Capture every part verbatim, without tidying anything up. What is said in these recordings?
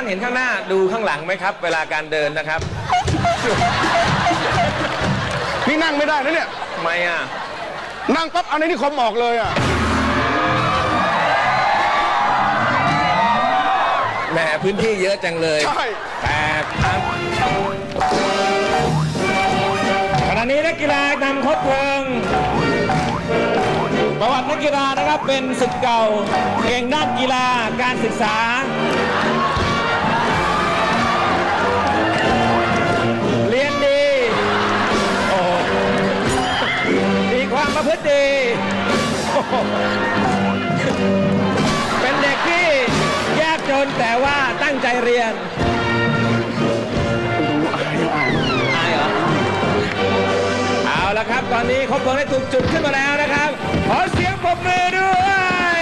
เห็นข้างหน้าดูข้างหลังไหมครับ เวลาการเดินนะครับนี่นั่งไม่ได้นะเนี่ยทำไมอ่ะนั่งปั๊บเอาในนี่คอมออกเลยอ่ะแหมพื้นที่เยอะจังเลยใช่แต่ครับขณะนี้นักกีฬานำคดเพลิงประวัตินักกีฬานะครับเป็นศึกเก่าเก่งด้านกีฬาการศึกษาเรียนดีโอ้มีความประพฤติดีโอ้เป็นเด็กที่ยากจนแต่ว่าตั้งใจเรียนอายเหรอเอาละครับตอนนี้ครบเพลิงได้ถูกจุดขึ้นมาแล้วนะครับขอเสียงปรบมือด้วย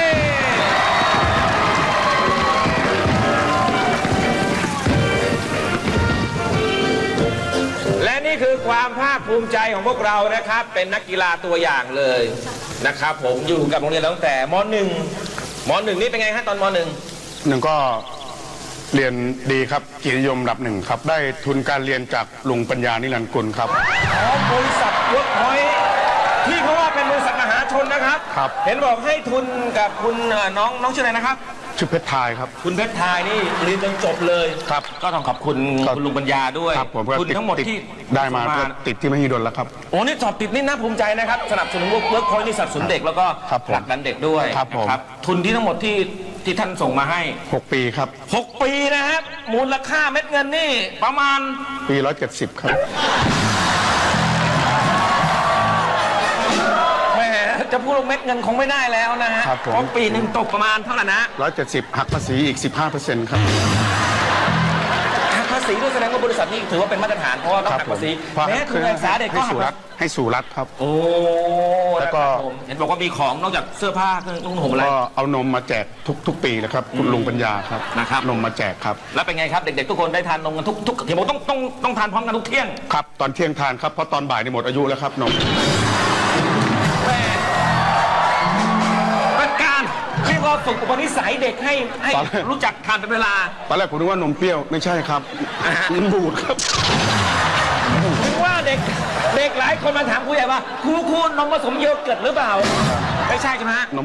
และนี่คือความภาคภูมิใจของพวกเรานะครับเป็นนักกีฬาตัวอย่างเลยนะครับผมอยู่กับโรงเรียนตั้งแต่ม .หนึ่ง ม .หนึ่ง นี่เป็นไงฮะตอนม .หนึ่งหนึ่งก็เรียนดีครับเกียรตินิยมระดับหนึ่งครับได้ทุนการเรียนจากลุงปัญญานิรันดร์กุลครับของบริษัทเวิร์กพอยท์ที่เขาว่าเป็นบริษัทมหาชนนะครับครับเห็นบอกให้ทุนกับคุณเอ่อน้องน้องชื่ออะไรนะครับชื่อเพชรทายครับคุณเพชรทายนี่เรียนจนจบเลยครับก็ต้องขอบคุณครับคุณลุงปัญญาด้วยครับผมก็ทุนติดทั้งหมดติดที่ได้มาส่งก็ติดที่มหิดลแล้วครับโอ้นี่สอบติดนี่น่าภูมิใจนะครับสนับสนุนเวิร์กพอยท์นี่สนับสนุนเด็กแล้วก็ครับผมผลักดันเด็กด้วยครับผมนะทุนที่ทั้งหมดที่ที่ท่านส่งมาให้หกปีครับหกปีนะครับมูลค่าเม็ดเงินนี่ประมาณปีร้อยเจ็ดสิบครับแหมจะพูดว่าเม็ดเงินคงไม่ได้แล้วนะฮะครับผมเพราะปีหนึ่งตกประมาณเท่าไหร่นะร้อยเจ็ดสิบหักภาษีอีกสิบห้าเปอร์เซ็นต์ครับหักภาษีด้วยแสดงว่าบริษัทนี้ถือว่าเป็นมาตรฐานเพราะว่าต้องหักภาษีเพราะแม้ทุนการศึกษาเด็กก็ให้หัสู่กรัฐให้สู่รัฐครับโอ้แล้วก็นะครับผมเห็นบอกว่ามีของนอกจากเสื้อผ้าเครื่องนุ่งห่มอะไรก็เอานมมาแจกทุกทุกปีเลยครับคุณลุงปัญญาครับนะครับนมมาแจกครับแล้วเป็นไงครับเด็กๆทุกคนได้ทานนมกันทุกทุกเห็นบอกต้องต้องต้องทานพร้อมกันทุกเที่ยงครับตอนเที่ยงทานครับเพราะตอนบ่ายนี่หมดอายุแล้วครับนมแหมเป็นการเรียกว่าฝึกอุปนิสัยเด็กให้ให้รู้จักทานเป็นเวลาตอนแรกผมนึกว่านมเปรี้ยวไม่ใช่ครับอ่าฮะมันบูดครับถึงว่าเด็กเด็กหลายคนมาถามครูใหญ่ว่าครูครูนมผสมโยเกิร์ตหรือเปล่า ไม่ใช่ใช่ไหมฮะ